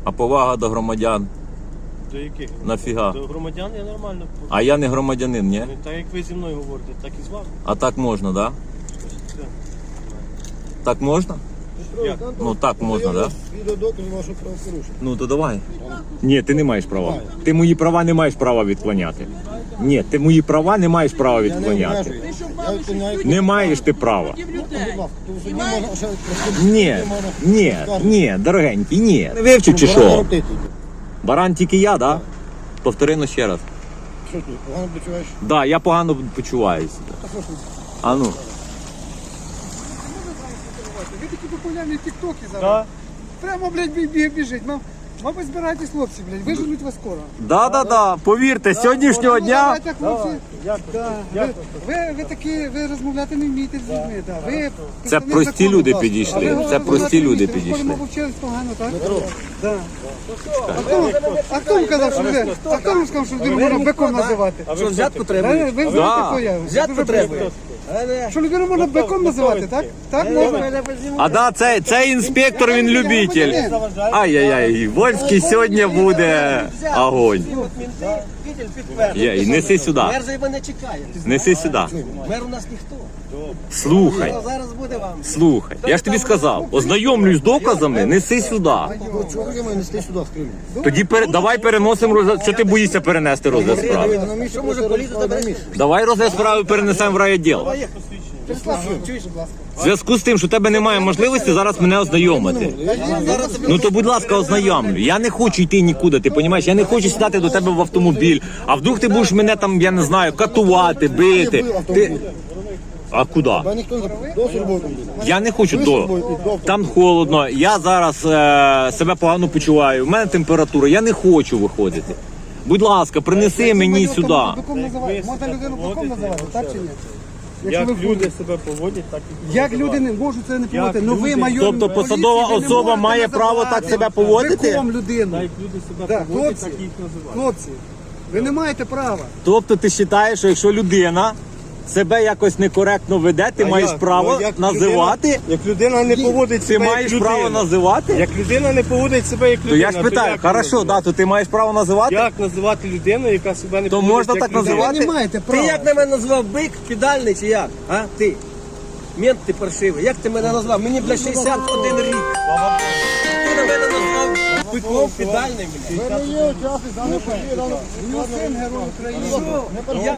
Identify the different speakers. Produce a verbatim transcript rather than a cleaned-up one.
Speaker 1: А повага до громадян?
Speaker 2: До яких?
Speaker 1: Нафіга?
Speaker 2: До громадян я нормально.
Speaker 1: А я не громадянин, ні?
Speaker 2: Ну, так як ви зі мною говорите, так і з вами.
Speaker 1: А так можна, да?
Speaker 2: Все.
Speaker 1: Так можна?
Speaker 2: Як?
Speaker 1: Ну так можна, да?
Speaker 3: Відеодоказ вашого правопорушення.
Speaker 1: Ну то давай. Ні, ти не маєш права. Ти мої права не маєш права відклоняти. Ні, ти мої права не маєш права
Speaker 3: Я не
Speaker 1: відклоняти.
Speaker 3: обмежую. Я відклоняю.
Speaker 1: Не маєш ти права.
Speaker 3: Будь ласка, то в суді можна ще
Speaker 1: Ні, ні, ні, дорогенький, ні. Не вивчив чи що? Баран тільки я, да? Повтори ну ще раз.
Speaker 3: Що ти, погано почуваєш?
Speaker 1: Да, я погано почуваюся. А ну.
Speaker 4: Ви такі популярні тіктоки зараз.
Speaker 2: Так.
Speaker 4: Прямо, блядь, бі- бі- біжить. Мам, мабуть, збирайтесь, хлопці, блядь, виженуть вас скоро.
Speaker 1: Да, да, да. Повірте, з сьогоднішнього
Speaker 4: Ну,
Speaker 1: дня.
Speaker 4: давайте, хлопці.
Speaker 2: Як?
Speaker 4: Да. Ви, ви, ви такі, ви розмовляти не вмієте з людьми. Да. Ви
Speaker 1: Це
Speaker 4: представник
Speaker 1: прості
Speaker 4: закону,
Speaker 1: люди
Speaker 4: будь ласка. А
Speaker 1: підійшли.
Speaker 4: ви
Speaker 1: Це
Speaker 4: розмовляти
Speaker 1: прості
Speaker 4: не
Speaker 1: люди
Speaker 4: вмієте. Ви,
Speaker 1: підійшли.
Speaker 4: мабуть, вчились погано, так? Да. А хто, а хто вам казав, що ви, а хто вам сказав, що людину можна биком називати?
Speaker 2: А ви взятку треба?
Speaker 4: Ви, ви знаєте,
Speaker 1: Да.
Speaker 4: хто я?
Speaker 2: Взятку
Speaker 4: Дуже
Speaker 2: треба?
Speaker 4: просто. Що людину можна биком називати, так? Так можна?
Speaker 1: А да, це, це інспектор, він любитель. Ай-яй-яй, Вольський сьогодні буде огонь. Є, і неси сюди.
Speaker 5: Мер же мене чекає.
Speaker 1: Неси сюди.
Speaker 5: Мер у нас ніхто.
Speaker 1: Слухай,
Speaker 5: Зараз буде вам.
Speaker 1: слухай. Я ж тобі сказав, ознайомлюсь з доказами, неси сюди.
Speaker 3: Чого я маю нести сюди в Криму?
Speaker 1: Тоді пере, давай переносимо розгляд. Що ти боїшся перенести розгляд справи?
Speaker 3: На місці
Speaker 5: Що може
Speaker 3: просто
Speaker 5: поліція
Speaker 3: розправи на
Speaker 5: забере?
Speaker 3: місці.
Speaker 1: Давай розгляд справи перенесемо в райвідділ.
Speaker 4: Чуєш, будь ласка.
Speaker 1: В зв'язку з тим, що в тебе немає можливості зараз мене ознайомити. Ну то, будь ласка, ознайомлю. Я не хочу йти нікуди, ти розумієш? Я не хочу сідати до тебе в автомобіль. А вдруг ти будеш мене там, я не знаю, катувати, бити. Ти... А куди?
Speaker 3: Бо ніхто не запитав. До службової комісії.
Speaker 1: Я не хочу до. Там холодно, я зараз е, себе погано почуваю, у мене температура, я не хочу виходити. Будь ласка, принеси мені
Speaker 4: Можна
Speaker 1: сюди.
Speaker 4: биком називати? Можна людину биком називати, так чи ні?
Speaker 2: Як
Speaker 4: ви в
Speaker 2: люди себе поводять, так і
Speaker 4: Як люди не можуть це не поводити? Ну ви
Speaker 2: люди-
Speaker 4: майор
Speaker 1: Тобто
Speaker 4: поліції,
Speaker 1: посадова
Speaker 4: ви не
Speaker 1: особа
Speaker 4: можете
Speaker 1: має право
Speaker 4: називати
Speaker 1: так себе поводити?
Speaker 4: Биком людину.
Speaker 2: Так як люди себе
Speaker 4: Да,
Speaker 2: поводять,
Speaker 4: хлопці,
Speaker 2: так і їх називають.
Speaker 4: хлопці, ви не маєте права.
Speaker 1: Тобто ти вважаєш, що якщо людина себе якось некоректно веде, ти
Speaker 2: А
Speaker 1: маєш
Speaker 2: як?
Speaker 1: право
Speaker 2: Ну, як
Speaker 1: називати?
Speaker 2: людина- Як людина не поводить
Speaker 1: Ти
Speaker 2: себе
Speaker 1: маєш
Speaker 2: як
Speaker 1: право
Speaker 2: людина.
Speaker 1: називати?
Speaker 2: Як людина не поводить себе як
Speaker 1: То
Speaker 2: людина.
Speaker 1: я ж питаю,
Speaker 2: як
Speaker 1: хорошо,
Speaker 2: називати?
Speaker 1: да, то ти маєш право називати?
Speaker 2: Як називати людину, яка себе не
Speaker 1: То
Speaker 2: поводить
Speaker 1: можна
Speaker 2: як
Speaker 1: так
Speaker 2: людина?
Speaker 1: називати?
Speaker 4: Ви не маєте
Speaker 5: Ти
Speaker 4: права.
Speaker 5: як на мене назвав бик, підальний чи як? А? Ти? Мент ти паршивий. Як ти мене назвав? Мені, бля, шістдесят один рік. Ти на мене назвав биком підальним, бля.
Speaker 3: Ви не є учасник даної події, даної
Speaker 4: У нього син герой України.
Speaker 5: Я